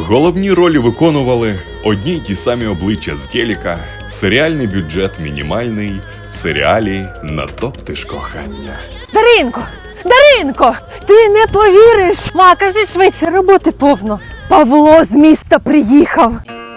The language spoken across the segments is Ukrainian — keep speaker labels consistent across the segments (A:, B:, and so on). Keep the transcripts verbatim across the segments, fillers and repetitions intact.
A: Головні ролі виконували одні й ті самі обличчя з телека, серіальний бюджет мінімальний, в серіалі «Натоптиш кохання».
B: Даринко! Даринко! Ти не повіриш! Ма, кажи швидше, роботи повно. Павло з міста приїхав.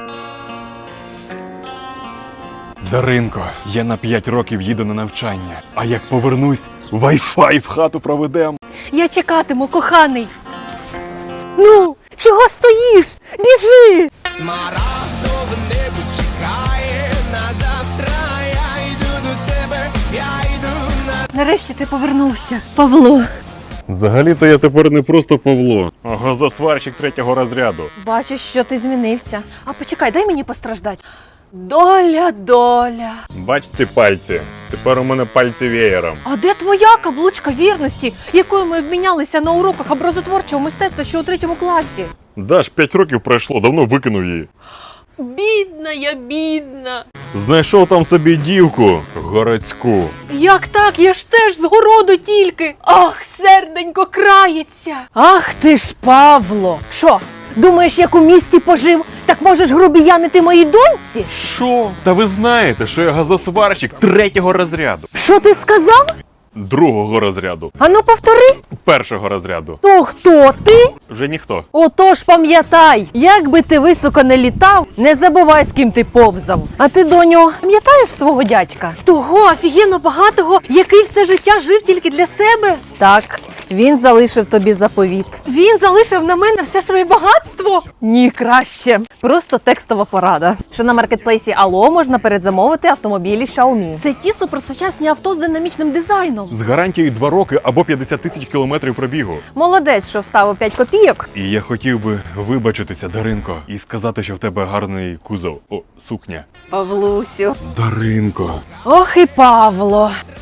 C: Даринко, я на п'ять років їду на навчання, а як повернусь, вай-фай в хату проведем.
B: Я чекатиму, коханий. Ну, чого стоїш? Біжи!
D: Смарагдове небо чекає на завтра. Я йду до тебе, я йду на...
B: Нарешті ти повернувся, Павло.
C: Взагалі-то я тепер не просто Павло, а газосварщик третього розряду.
B: Бачу, що ти змінився. А почекай, дай мені постраждати. Доля, доля.
C: Бач ці пальці, тепер у мене пальці веєром.
B: А де твоя каблучка вірності, якою ми обмінялися на уроках образотворчого мистецтва ще у третьому класі?
C: Даш, п'ять років пройшло, давно викинув її.
B: Бідна я, бідна.
C: Знайшов там собі дівку городську.
B: Як так? Я ж теж з городу тільки. Ах, серденько крається. Ах ти ж, Павло. Що, думаєш, як у місті пожив, так можеш грубіянити моїй доньці?
C: Що? Та ви знаєте, що я газосварщик третього розряду.
B: Що ти сказав?
C: Другого розряду.
B: Ану повтори.
C: Першого розряду.
B: То хто ти?
C: Вже ніхто.
B: Отож пам'ятай, як би ти високо не літав, не забувай, з ким ти повзав. А ти, доню, пам'ятаєш свого дядька? Того офігенно багатого, який все життя жив тільки для себе? Так, він залишив тобі заповіт. Він залишив на мене все своє багатство? Ні, краще. Просто текстова порада. Що на маркетплейсі Алло можна передзамовити автомобілі Xiaomi. Це ті суперсучасні авто з динамічним дизайном.
C: З гарантією два роки або п'ятдесят тисяч кілометрів пробігу.
B: Молодець, що вставив п'ять копійок.
C: І я хотів би вибачитися, Даринко, і сказати, що в тебе гарний кузов. О, сукня.
B: Павлусю.
C: Даринко.
B: Ох і Павло.